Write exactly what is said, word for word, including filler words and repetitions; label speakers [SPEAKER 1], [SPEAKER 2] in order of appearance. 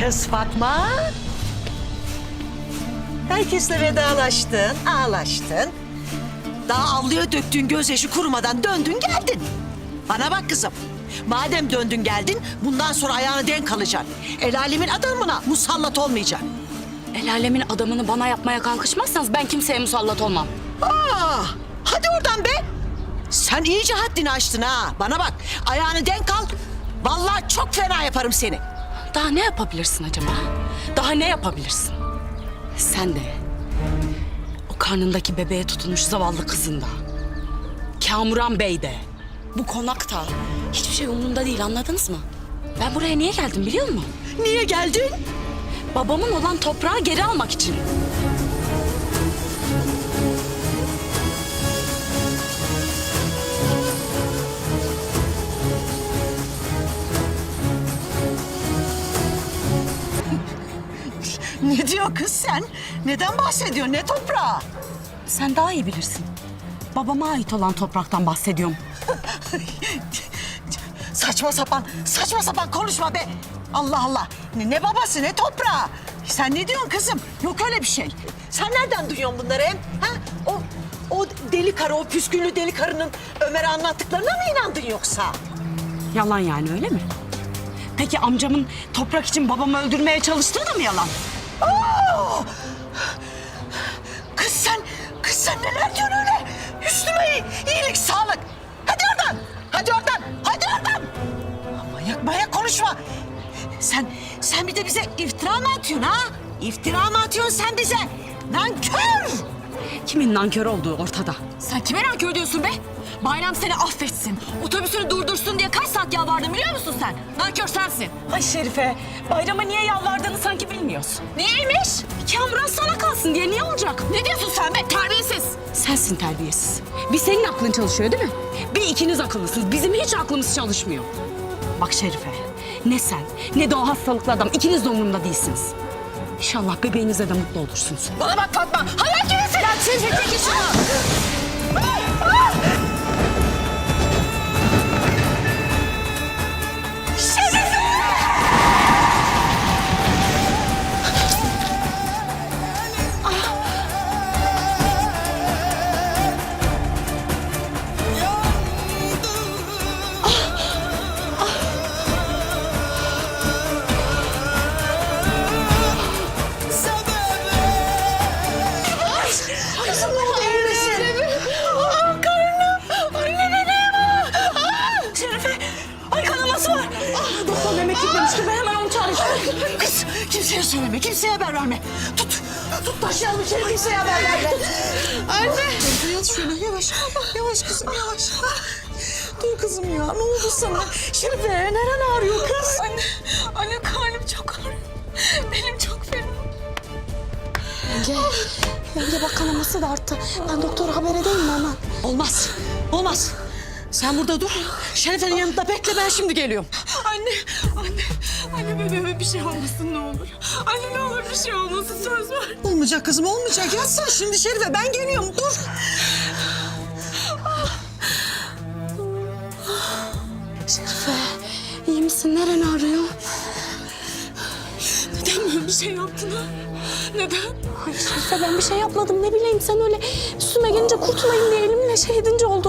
[SPEAKER 1] Kız Fatma. Herkesle vedalaştın, ağlaştın. Daha avluya döktüğün gözyaşı kurumadan döndün geldin. Bana bak kızım. Madem döndün geldin, bundan sonra ayağını denk alacaksın. El alemin adamına musallat olmayacaksın.
[SPEAKER 2] El alemin adamını bana yapmaya kalkışmazsanız ben kimseye musallat olmam.
[SPEAKER 1] Aa, hadi oradan be. Sen iyice haddini aştın ha. Bana bak, ayağını denk al. Vallahi çok fena yaparım seni.
[SPEAKER 2] Daha ne yapabilirsin acaba? Daha ne yapabilirsin? Sen de, o karnındaki bebeğe tutulmuş zavallı kızın da, Kamuran Bey de, bu konakta hiçbir şey umurumda değil, anladınız mı? Ben buraya niye geldim biliyor musun?
[SPEAKER 1] Niye geldin?
[SPEAKER 2] Babamın olan toprağı geri almak için.
[SPEAKER 1] Ne diyor kız sen? Neden bahsediyor? Ne toprağı?
[SPEAKER 2] Sen daha iyi bilirsin. Babama ait olan topraktan bahsediyorum.
[SPEAKER 1] Saçma sapan, saçma sapan konuşma be. Allah Allah. Ne, ne babası, ne toprağı? Sen ne diyorsun kızım? Yok öyle bir şey. Sen nereden duyuyorsun bunları hem? Ha? O, o deli karı, o püsküllü deli karının Ömer'e anlattıklarına mı inandın yoksa?
[SPEAKER 2] Yalan yani, öyle mi? Peki amcamın toprak için babamı öldürmeye çalıştığı da mı yalan?
[SPEAKER 1] Aa! Kız sen, kız sen neler diyorsun öyle? Üstüme iyi, iyilik, sağlık. Hadi oradan, hadi oradan, hadi oradan. Manyak manyak konuşma. Sen, sen bir de bize iftira mı atıyorsun ha? İftira mı atıyorsun sen bize? Nankör!
[SPEAKER 2] Kimin nankör olduğu ortada.
[SPEAKER 3] Sen kime nankör diyorsun be? Bayram seni affetsin, otobüsünü durdursun diye kaç saat yalvardın biliyor musun sen? Nankör sensin.
[SPEAKER 2] Ay Şerife, Bayram'a niye yalvardığını sanki bilmiyorsun.
[SPEAKER 3] Niyeymiş?
[SPEAKER 2] Kamuran sana kalsın diye, niye olacak?
[SPEAKER 3] Ne diyorsun sen be, terbiyesiz?
[SPEAKER 2] Sensin terbiyesiz. Bir senin aklın çalışıyor değil mi? Bir ikiniz akıllısınız. Bizim hiç aklımız çalışmıyor. Bak Şerife, ne sen ne de o hastalıklı adam, ikiniz de umurumda değilsiniz. İnşallah bebeğinize de mutlu olursunuz.
[SPEAKER 3] Bana bak Fatma, hayal gibisin. Ya çekil çekil şunu.
[SPEAKER 1] Kız kimseye söyleme, kimseye haber verme. Tut, tut taşıyalım içeri, kimseye haber verme.
[SPEAKER 3] Anne.
[SPEAKER 1] Yavaş şöyle, yavaş. Yavaş kızım, yavaş. Dur kızım ya, ne oldu sana? Şerife, neren ağrıyor kız?
[SPEAKER 3] Anne, anne karnım çok ağrıyor. Benim çok fena.
[SPEAKER 4] Yenge, yenge bak kanaması da arttı. Ben doktora haber edeyim mi hemen?
[SPEAKER 1] Olmaz, olmaz. Sen burada dur. Şerife'nin yanında bekle, ben şimdi geliyorum.
[SPEAKER 3] Anne, anne, anne bebeğime bir şey olmasın ne olur. Anne ne olur bir şey olmasın, söz ver.
[SPEAKER 1] Olmayacak kızım, olmayacak. Yatsana şimdi Şerife, ben geliyorum. Dur.
[SPEAKER 4] Şerife, iyi misin? Neren ağrıyor?
[SPEAKER 3] Neden böyle bir şey yaptın ha? Neden?
[SPEAKER 4] Ay Şerife ben bir şey yapmadım. Ne bileyim sen öyle üstüme gelince kurtulayım diye elimle şey edince oldu.